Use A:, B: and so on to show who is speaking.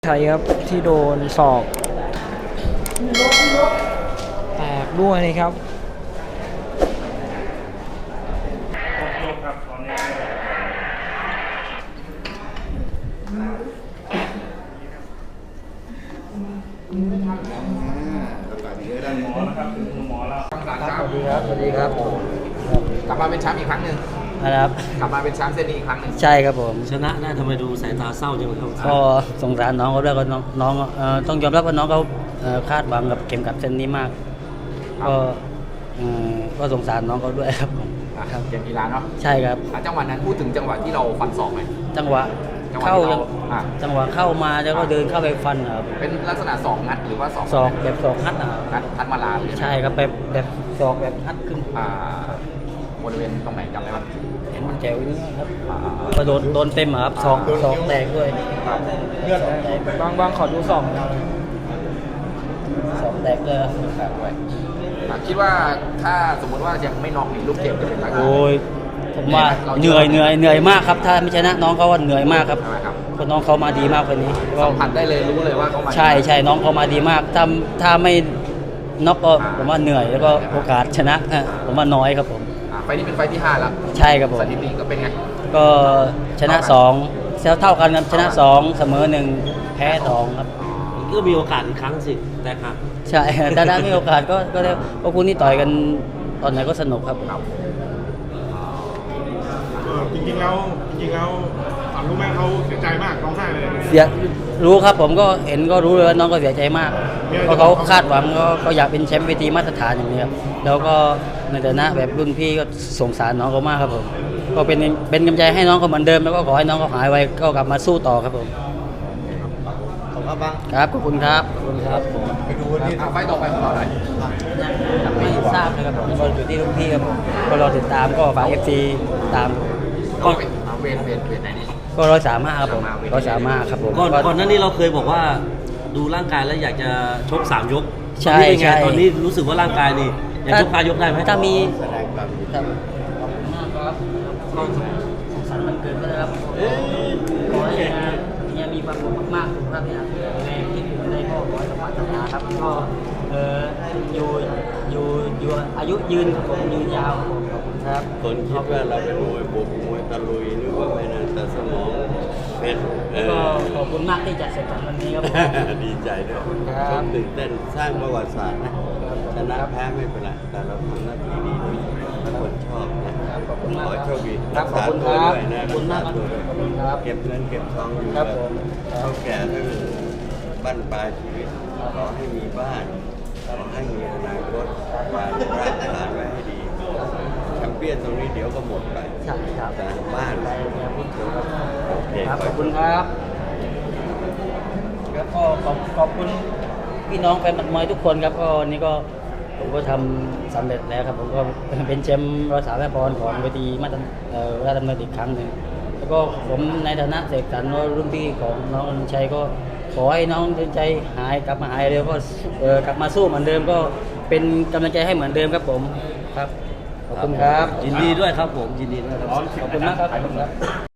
A: ใช่ครับที่โดนศอกแตกด้วยนะครับ
B: สวัสดีครับสวัสดีครับกลับมาเป็นแชมป์อีกครั้งหนึ่ง
A: ครับ
B: กลับมาเป็นแชมป์เส้นนี้อีกครั้งหนึ่ง
A: ใช่ครับผม
C: ชนะได้ทำไมดูสายตาเศร้าจังเลยครับ
A: ก็สงสารน้องเขาด้วยก็น้องต้องยอมรับว่าน้องเขาคาดหวังกับเข็มขัดเส้นนี้มากก็สงสารน้องเขาด้วยครับผม
B: ครับเกมกีฬาเนาะ
A: ใช่ครับ
B: จังหวะนั้นพูดถึงจังหวะที่เราฟันศอกไหม
A: จังหวะเข้าจังหวะเข้ามาแล้วก็เดินเข้าไปฟันครับ
B: เป็นลักษณะศอกงัดหรือว่า
A: ศอกแบบศอกฮัดนะครับ
B: ทัดมาลา
A: ใช่ครับแบบศอกแบบฮัดขึ้น
B: บริเวณตรงไหนจำได้ไหม
A: เห็นมันแจ๋วนี่ครับก็โดนเต็มครับศอกแตกด้วย
B: เลือด
A: บางขอดูศอกแตกเลย
B: คิดว่าถ้าสมมติว่ายังไม่น็อกนี่ลูกเกมจะเป็นยังไง
A: โอ้ยผมว่าเหนื่อยมากครับถ้าไม่ชนะน้องเขาว่าเหนื่อยมากครับเพราะน้องเขามาดีมากวันนี้
B: สัมผัสได้เลยรู้เลยว่าเขามา
A: ใช่น้องเขามาดีมากถ้าไม่น็อกก็ผมว่าเหนื่อยแล้วก็โอกาสชนะผมว่าน้อยครับผม
B: ไฟนี้เป็นไฟที่5แล้ว
A: ใช่ครับผม
B: สถิติก็เป็นไง
A: ก็ชนะ2เท่ากันครับชนะ2เสมอ1แพ้2ครับ
C: ก็มีโอกาสอีกครั้งสิแต่ครับ
A: ใช่แต่ถ้ามีโอกาสก็ได้เพราะคุณนี่ต่อยกันตอนไหนก็สนุกครับ
D: จริงๆแล้วรู้ไหมเขาเสียใจมากร้องไห้เลย
A: รู้ครับผมก็เห็นก็รู้เลยว่าน้องก็เสียใจมากเพราะเขาคาดหวังก็อยากเป็นแชมป์เวทีมาตรฐานอย่างนี้ครับแล้วก็ในฐานะแบบรุ่นพี่ก็สงสารน้องเขามากครับผมก็เป็นกำลังใจให้น้องเขาเหมือนเดิมแล้วก็ขอให้น้องเขาหายไวก็กลับมาสู้ต่อครับผม
B: ขอบคุณบ้าง
A: ครับขอบคุณครับ
B: ไปดูนี่ไฟต่อไปของเราหน่อย
A: ยังไม่ทราบเลยครับผมก็อยู่ที่รุ่นพี่ครับผมก็รอติดตามก็ฝาก FC ตาม
B: ก็เวทไหนนี่
A: ก็135ครับผม135ครับผม
C: ก่อนหน้านี้เราเคยบอกว่าดูร่างกายแล้วอยากจะชก3 ยก
A: ใช่
C: ตอนนี้รู้สึกว่าร่างกายนี่อยากชก5 ยกได้ไหม
A: ถ้ามีครับก็สงสารมันเกินไปแล้วครับขอให้เนี่ยมีความสุขมากๆสุขภาพเนี่ยแรงที่อยู่ในก็ขอให้สมปรารถนาครับก็อยู่อายุยืนครับผมยืนยาวครับ
E: คนคิดว่าเราเป็นมวยบุกมวยตะลุยนึกว่าไม่นานแต่สมองเป็น
A: ก็ขอบคุณมากที่จัดเสร็จวันนี้ครับ
E: ดีใจด้วยชมตื่นเต้นสร้างประวัติศาสตร์นะชนะแพ้ไม่เป็นไรแต่เราทำหน้าที่ดีด้วยคนชอบนะ
A: ขอบคุณมาก
E: ขอโชคดี
A: รักษาตัวด้วย
E: นะรักษาตัวด้วยเก็บเงินเก็บทองอยู่
A: ครับผม
E: เท่าแก่ทั้งบ้านปลายชีวิตขอให้มีบ้านขอให้มีอนาคตการรักษาไว้ให้ดีแชมเปี้ยนตรงนี้เดี๋ยวก็หมดไป
A: ใช่ครับ
E: แต่บ้านโอเค
A: ขอบคุณครับแล้วก็ขอบคุณพี่น้องแฟนมวยทุกคนครับก็นี่ก็ผมก็ทำสำเร็จแล้วครับผมก็เป็นแชมป์135 ปอนด์ของเวทีราชดำเนินอีกครั้งหนึ่งแล้วก็ผมในฐานะเสกสรรรุ่นพี่ของน้องอนุชัยก็ขอให้น้องใจกลับมาหายเร็วก็กลับมาสู้เหมือนเดิมก็เป็นกำลังใจให้เหมือนเดิมครับผมครับขอบคุณครับ
C: ยินดีด้วยครับผมยินดีด้วยครับ
A: ขอบคุณมากครับ